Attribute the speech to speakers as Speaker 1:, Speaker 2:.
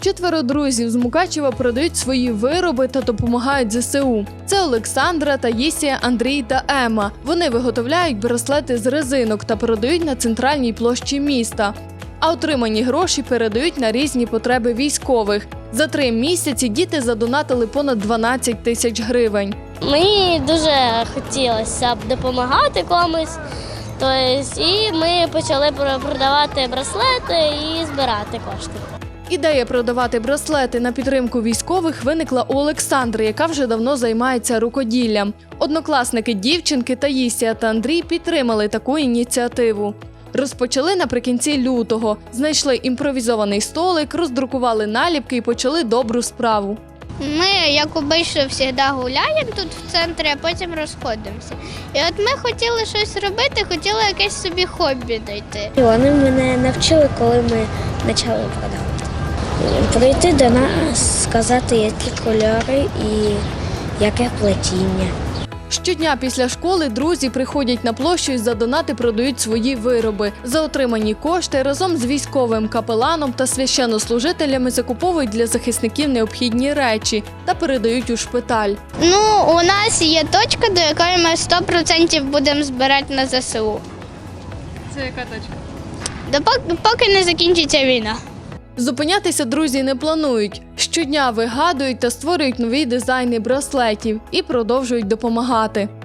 Speaker 1: 4 друзів з Мукачева продають свої вироби та допомагають ЗСУ. Це Олександра, Таїсія, Андрій та Ема. Вони виготовляють браслети з резинок та продають на центральній площі міста. А отримані гроші передають на різні потреби військових. За 3 місяці діти задонатили понад 12 тисяч гривень.
Speaker 2: Мені дуже хотілося б допомагати комусь. І ми почали продавати браслети і збирати кошти.
Speaker 1: Ідея продавати браслети на підтримку військових виникла у Олександри, яка вже давно займається рукоділлям. Однокласники дівчинки Таїсія та Андрій підтримали таку ініціативу. Розпочали наприкінці лютого. Знайшли імпровізований столик, роздрукували наліпки і почали добру справу.
Speaker 3: Ми, як обично, завжди гуляємо тут в центрі, а потім розходимося. І от ми хотіли щось робити, хотіли якесь собі хобі знайти.
Speaker 4: Вони мене навчили, коли ми почали продавати. Прийти до нас, сказати, які кольори і яке плетіння.
Speaker 1: Щодня після школи друзі приходять на площу і за донати продають свої вироби. За отримані кошти разом з військовим капеланом та священнослужителями закуповують для захисників необхідні речі та передають у шпиталь.
Speaker 3: У нас є точка, до якої ми 100% будемо збирати на ЗСУ.
Speaker 1: Це яка точка?
Speaker 3: Поки не закінчиться війна.
Speaker 1: Зупинятися друзі не планують. Щодня вигадують та створюють нові дизайни браслетів і продовжують допомагати.